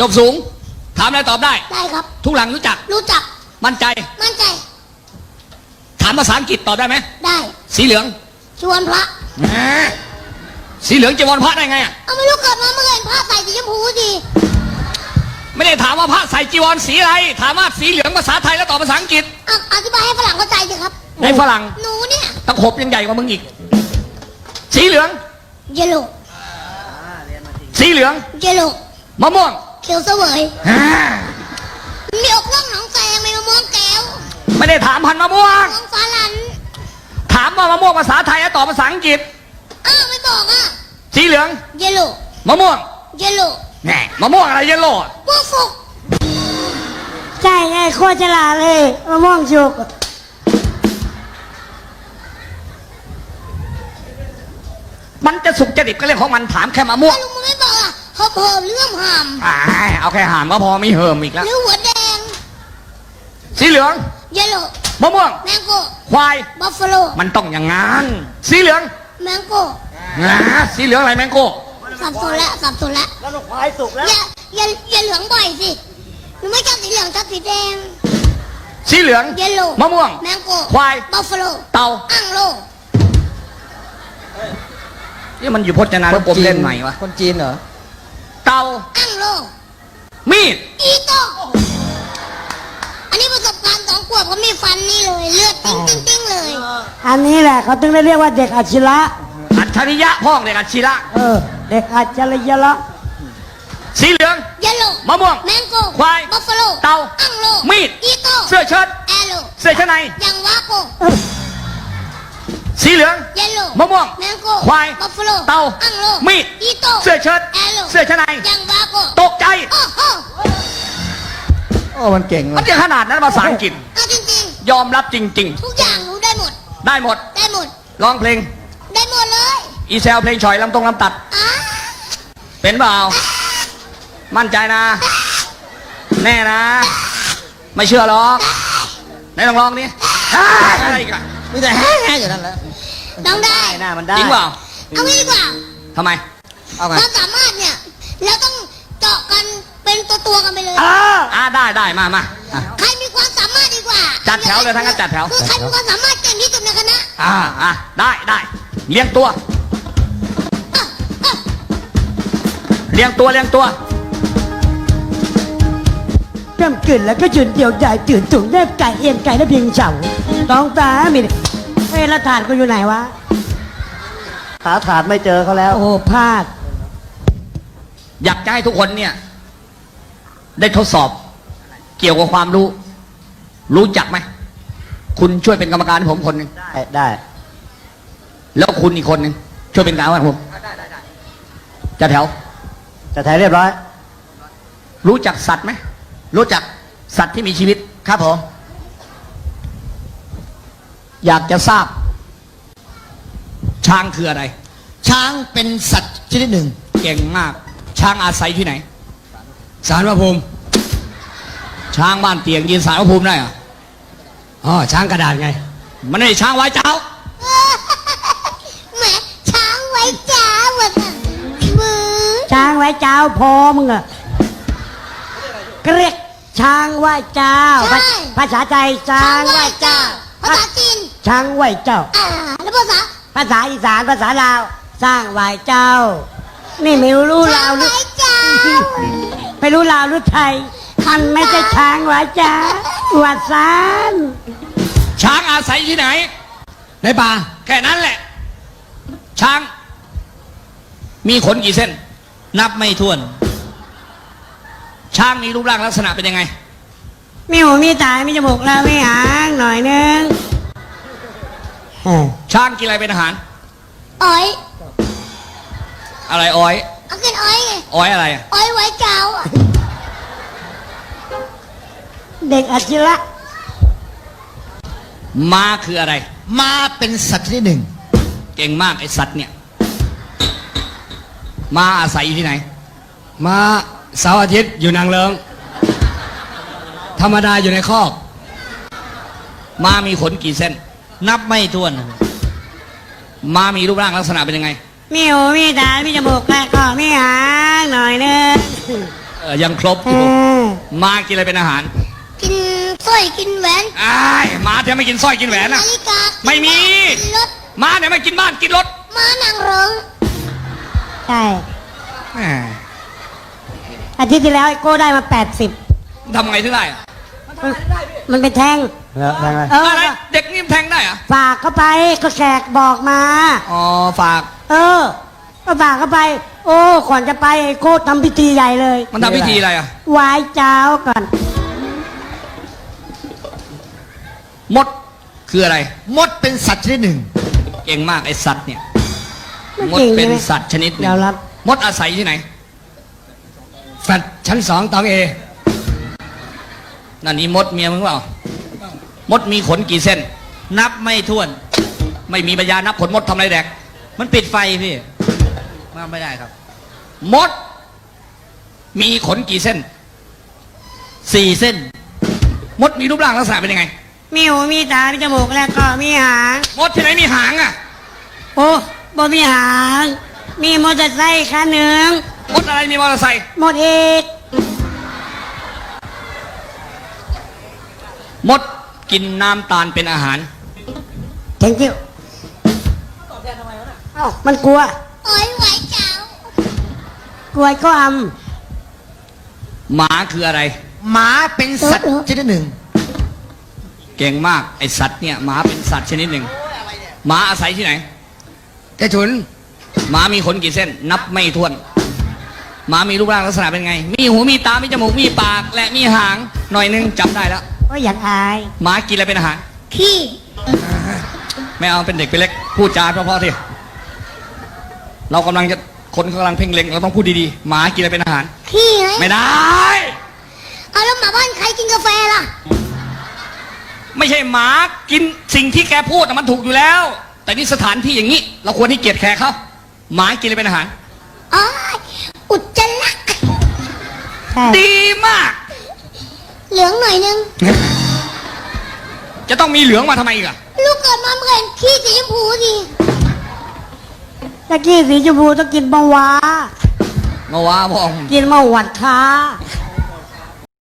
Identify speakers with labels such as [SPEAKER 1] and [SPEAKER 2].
[SPEAKER 1] จบสูงถามอะไรตอบได้
[SPEAKER 2] ได้ครับ
[SPEAKER 1] ทุกหลังรู้จักมั่นใจถามภาษาอังกฤษตอบได้ไหม
[SPEAKER 2] ได้
[SPEAKER 1] สีเหลือง
[SPEAKER 2] จีวรพระ
[SPEAKER 1] สีเหลืองจีวรพระได้ไงอ่ะ
[SPEAKER 2] ไม่รู้เกิดมาเมื่อเห็นพระใส่สีชมพูสิ
[SPEAKER 1] ไม่ได้ถามว่าพระใส่จีวรสีอะไรถามว่าสีเหลืองภาษาไทยแล้วตอบภาษาอังกฤษ
[SPEAKER 2] อธิบายให้ฝรั่งเข้าใจสิครับ
[SPEAKER 1] ในฝรั่ง
[SPEAKER 2] หนูเนี่ย
[SPEAKER 1] ตะขบยังใหญ่กว่ามึงอีกสีเหลือง
[SPEAKER 2] เยลโล่
[SPEAKER 1] สีเหลือง
[SPEAKER 2] เยลโล่
[SPEAKER 1] มะม่วง
[SPEAKER 2] เขียวเสวยมีอกร่องหนองแซงมีมะม่วงแก้ว
[SPEAKER 1] ไม่ได้ถามพันมะม่วง
[SPEAKER 2] มะม่วงฟ้าลัน
[SPEAKER 1] ถามว่ามะม่วงภาษาไทยแล้วตอบภาษาอังกฤษ
[SPEAKER 2] ไม่บอก
[SPEAKER 1] สีเหลือง
[SPEAKER 2] เยลโล่
[SPEAKER 1] มะม่วง
[SPEAKER 2] เยลโล่
[SPEAKER 1] แหน่มะม่วงอะไรเยลโล่
[SPEAKER 2] พวกสุก
[SPEAKER 3] ใช่ไงโคตรฉลาดเลยมะม่วงสุก
[SPEAKER 1] มันจะสุกจะดิบก็เรื่องของมันถามแค่มะม่วง
[SPEAKER 2] ลุงมันไม่บอกเขาเพิ่มเรื่องหาม
[SPEAKER 1] เอาแค่หามก็พอไม่เหิมอีกแล้ว
[SPEAKER 2] หรือหัวแดง
[SPEAKER 1] สีเหลือง
[SPEAKER 2] เยลโล่
[SPEAKER 1] มะม่วง
[SPEAKER 2] แมงโก้
[SPEAKER 1] ควาย
[SPEAKER 2] บัฟฟาโล
[SPEAKER 1] มันต้องอย่างงั้นสีเหลือง
[SPEAKER 2] แมงโก้
[SPEAKER 1] สีเหลืองอะไรแมงโก้
[SPEAKER 2] สับสนแล้ว
[SPEAKER 3] แล้วควายสุกแล้ว
[SPEAKER 2] อย่าเหลืองบ่อยสิหนูไม่ชอบสีเหลืองชอบสีแดง
[SPEAKER 1] สีเหลือง
[SPEAKER 2] เยลโล่
[SPEAKER 1] มะม่วง
[SPEAKER 2] แมงโก้
[SPEAKER 1] ควาย
[SPEAKER 2] บัฟฟาโล
[SPEAKER 1] เต่า
[SPEAKER 2] อ่างโล
[SPEAKER 1] นี่มันอยู่พจนานุกรมเล่นใหม่วะ
[SPEAKER 3] คนจีนเหรอ
[SPEAKER 1] เต่า
[SPEAKER 2] อ่างโล
[SPEAKER 1] มีด
[SPEAKER 2] อีโต้อันนี้ประสบการณ์2 ขวบเขามีฟันนี่เลยเลือดติ้งเลย
[SPEAKER 3] อันนี้แหละเขาถึงได้เรียกว่าเด็กอัจฉริยะ
[SPEAKER 1] อัจฉริยะพ่องเด็กอัจฉริยะ
[SPEAKER 3] เด็กอัจฉริยะ
[SPEAKER 1] สีเหลือง
[SPEAKER 2] เยลโล่
[SPEAKER 1] มะม่วง
[SPEAKER 2] แมงโก้
[SPEAKER 1] ควาย
[SPEAKER 2] บัฟฟาโล
[SPEAKER 1] เต่า
[SPEAKER 2] อ่างโล
[SPEAKER 1] มีด
[SPEAKER 2] อีโต้
[SPEAKER 1] เสื้อเชิ้ต
[SPEAKER 2] แอโล
[SPEAKER 1] เสื้อชั้นใน
[SPEAKER 2] ยังวาโก
[SPEAKER 1] สีเหลือง
[SPEAKER 2] เยลโล่
[SPEAKER 1] มะม่วง
[SPEAKER 2] แมงโก้
[SPEAKER 1] ควาย
[SPEAKER 2] บัฟฟาโล
[SPEAKER 1] เต่า
[SPEAKER 2] อ่างโล
[SPEAKER 1] มีด
[SPEAKER 2] อีโต้
[SPEAKER 1] เสื้อเชิ้ต
[SPEAKER 2] แอโล
[SPEAKER 1] เสื้อชั้นใน
[SPEAKER 2] ยังวาโก
[SPEAKER 1] ตกใจ
[SPEAKER 3] มันเก่ง
[SPEAKER 1] มันจะขนาดนั้นภาษาอังกฤษ
[SPEAKER 2] จริง
[SPEAKER 1] ยอมรับจริง
[SPEAKER 2] ๆทุกอย่างรู้ได้หมด
[SPEAKER 1] ร้องเพลง
[SPEAKER 2] ได้หมดเลย
[SPEAKER 1] อีเซลเพลงฉ่อยลำตัดเป็นเปล่ามั่นใจนะแน่นะไม่เชื่อหรอกไหนลองร้องดิอะไรกัน
[SPEAKER 3] มีแต่แฮ่อยู่นั่นแหละ
[SPEAKER 2] ต้องได้
[SPEAKER 3] หน้ามันได้
[SPEAKER 1] จริงเปล่า
[SPEAKER 2] เอางี้ดีกว่า
[SPEAKER 1] ทำไม
[SPEAKER 2] ความสามารถเนี่ยเราต้องเจาะกันเป็นตัวกันไปเลย
[SPEAKER 1] ได้มา
[SPEAKER 2] ใครมีความสามารถดีกว่า
[SPEAKER 1] จัดแถวเลยทั้งนั้นจัดแถว
[SPEAKER 2] คือใครมีความสามารถเก่งที่สุดในคณะ
[SPEAKER 1] ได้เลี้ยงตัว
[SPEAKER 3] กำกึ่นแล้วก็จุดเดี่ยวใหญ่ตื่นตุ่งแนบไก่เอียนไก่และเพียงเฉาต้องตามีแล้วถาดก็อยู่ไหนวะหาถาดไม่เจอเขาแล้วโอ้พลาด
[SPEAKER 1] อยากจะให้ทุกคนเนี่ยได้ทดสอบเกี่ยวกับความรู้จักไหมคุณช่วยเป็นกรรมการให้ผมคนหนึ่ง
[SPEAKER 3] ได้
[SPEAKER 1] แล้วคุณอีกคนหนึ่งช่วยเป็นกรรมการให้ผมจัดแถว
[SPEAKER 3] เรียบร้อย
[SPEAKER 1] รู้จักสัตว์ไหมรู้จักสัตว์ที่มีชีวิต
[SPEAKER 3] ครับผม
[SPEAKER 1] อยากจะทราบช้างคืออะไร
[SPEAKER 3] ช้างเป็นสัตว์ชนิดหนึ่ง
[SPEAKER 1] เก่งมากช้างอาศัยที่ไหนศาลพระภูมิช้างบ้านเตียงยืนศาลพระภูมิได้เหรอช้างกระดาษไงมันไม่ใช่ช้างไว้เจ้า
[SPEAKER 2] แหมช้างไว้เจ้าว่ะมือ
[SPEAKER 3] ช้างไว้เจ้าพอมึงอะเรียกช้างไหว้เจ้าภาษาไทยช้างไหว้เจ้า
[SPEAKER 2] ภาษาจีน
[SPEAKER 3] ช้างไหว้เจ้า
[SPEAKER 2] แล้ว
[SPEAKER 3] ภาษาอีสานภาษาลาวสร้างไหว้เจ้านี่ไม่รู้ลาวหรือไม่รู้ลาวหรือไทยมันไม่ใช่ช้างไหว้เจ้าวัดสาน
[SPEAKER 1] ช้างอาศัยที่ไหนในป่าแค่นั้นแหละช้างมีขนกี่เส้นนับไม่ถ้วนช้างมีรูปร่างลักษณะเป็นยังไง
[SPEAKER 3] มีหูมีตามีจมูกแล้วมีหางหน่อยนึง
[SPEAKER 1] ช้างกินอะไรเป็นอาหาร
[SPEAKER 2] อ้อย
[SPEAKER 1] อะไรอ้อย
[SPEAKER 2] กินอ้อยไง
[SPEAKER 1] อ้อยอะไร
[SPEAKER 2] อ้อยไว้เจ้า
[SPEAKER 3] เด็กอัจฉริยะ
[SPEAKER 1] ม้าคืออะไร
[SPEAKER 3] ม้าเป็นสัตว์ชนิดหนึ่ง
[SPEAKER 1] เก่งมากไอสัตว์เนี่ยม้าอาศัยอยู่ที่ไหน
[SPEAKER 4] ม้าเสาร์อาทิตย์อยู่นางเลิงธรรมดาอยู่ในคอก
[SPEAKER 1] ม้ามีขนกี่เส้น
[SPEAKER 4] นับไม่ถ้วน
[SPEAKER 1] ม้ามีรูปร่างลักษณะเป็นยังไง
[SPEAKER 3] มีหูมีตามีจมูกแล้วก็มีหางหน่อยนึง
[SPEAKER 1] ยังครบอ
[SPEAKER 3] เอยู่ อ
[SPEAKER 1] ม้ากินอะไรเป็นอาหาร
[SPEAKER 2] กินสร้อยกินแหวน
[SPEAKER 1] อ้ายม้าจะไม่กินสร้อยกินแหวน
[SPEAKER 2] นา
[SPEAKER 1] นะ
[SPEAKER 2] ฬิกา
[SPEAKER 1] ไม่มี
[SPEAKER 2] กินรถ
[SPEAKER 1] ม้าเนี่ยไม่กินบ้านกินรถ
[SPEAKER 2] ม้านางเริง
[SPEAKER 3] ใช่
[SPEAKER 1] แหม
[SPEAKER 3] อาทิตย์ที่แล้วไอ้โก้ได้มา 80
[SPEAKER 1] ทำไงถึงได้อะ
[SPEAKER 3] มันเป็นแท่ง
[SPEAKER 4] แล้วไง
[SPEAKER 3] เออ
[SPEAKER 1] อะไรเด็กนี่มันแทงได้เหรอะ
[SPEAKER 3] ฝากเข้าไปก็แขกบอกมา
[SPEAKER 1] อ๋อฝาก
[SPEAKER 3] เออก็ฝากเข้าไป โอ้ก่อนจะไปไอ้โก้ทำพิธีใหญ่เลย
[SPEAKER 1] มันทำพิธีอะไรอ่ะ
[SPEAKER 3] ไหว้เจ้าก่อน
[SPEAKER 1] มดคืออะไร
[SPEAKER 5] มดเป็นสัตว์ชนิดหนึ่ง
[SPEAKER 1] เก่งมากไอสัตว์เนี่ย
[SPEAKER 3] ไม่
[SPEAKER 1] มด
[SPEAKER 3] จริง
[SPEAKER 1] เป็น
[SPEAKER 3] ใช่ไหม
[SPEAKER 1] สัตว์ชนิดหนึ่
[SPEAKER 3] เดี๋
[SPEAKER 1] ง
[SPEAKER 3] ยวรับ
[SPEAKER 1] มดอาศัยที่ไหน
[SPEAKER 4] แฟลตชั้น2ตองเอ
[SPEAKER 1] นั่นนี่มดเมียมึงเปล่า มดมีขนกี่เส้น นับไม่ถ้วน ไม่มีปัญญานับขนมดทำอะไรแดก มันปิดไฟพี่มาไม่ได้ครับ มด มีขนกี่เส้น 4 เส้น มดมีรูปร่างลักษณะเป็นยังไง
[SPEAKER 3] มีหูมีตา มีจมูกแล้วก็มีหาง
[SPEAKER 1] มดที่ไหนมีหางอ่ะ
[SPEAKER 3] โอ้บ่มีหาง มีมอเตอร์ไซค์คันหนึ่ง
[SPEAKER 1] มดอะไรมีมอเตอร์ไซค์
[SPEAKER 3] หมดเอก
[SPEAKER 1] มดกินน้ำตาลเป็นอาหาร
[SPEAKER 3] thank you เอ้ามันกลัว
[SPEAKER 2] โอ้ยไหวเจ้าก
[SPEAKER 3] ลัวก็อ
[SPEAKER 1] หมาคืออะไร
[SPEAKER 5] หมาเป็นสัตว์ชนิดหนึ่ง
[SPEAKER 1] เก่งมากไอสัตว์เนี่ยหมาเป็นสัตว์ชนิดหนึ่งหมาอาศัยที่ไหน
[SPEAKER 4] แกฉุน
[SPEAKER 1] หมามีขนกี่เส้น นับไม่ถ้วนหมามีรูปร่างลักษณะเป็นไง มีหูมีตา มีจมูก มีปาก และมีหาง หน่อยนึงจำได้แล้ว
[SPEAKER 3] ำก็อยากอาย
[SPEAKER 1] หมากินอะไรเป็นอาหาร
[SPEAKER 2] ขี้
[SPEAKER 1] ไม่เอาเป็นเด็กเป็นเล็ก พูดจาเพราะๆทีเรากำลังจะคนกำลังเพ่งเล็งเราต้องพูดดีๆ หมากินอะไรเป็นอาหาร
[SPEAKER 2] ขี้ไหม
[SPEAKER 1] ไม่ได้
[SPEAKER 2] เอาแล้วหมาบ้านใครกินกาแฟล่ะ
[SPEAKER 1] ไม่ใช่หมากินสิ่งที่แกพูดน่ะมันถูกอยู่แล้ว แต่นี่สถานที่อย่างนี้ เราควรให้เกียรติแขกเขาหมากินอะไรเป็นอาหาร
[SPEAKER 2] อ๋อ อุจจาระ
[SPEAKER 3] ใช่
[SPEAKER 1] ดีมาก
[SPEAKER 2] เหลืองหน่อยนึง
[SPEAKER 1] จะต้องมีเหลืองมาทำไมอีกอะ
[SPEAKER 2] ลูกเกิดมาเหมือนขี้สีชมพูสิ
[SPEAKER 3] ตะกี้สีชมพูต้องกินมะวา
[SPEAKER 1] มาว่าพ่อ
[SPEAKER 3] กินมะหวัดค้า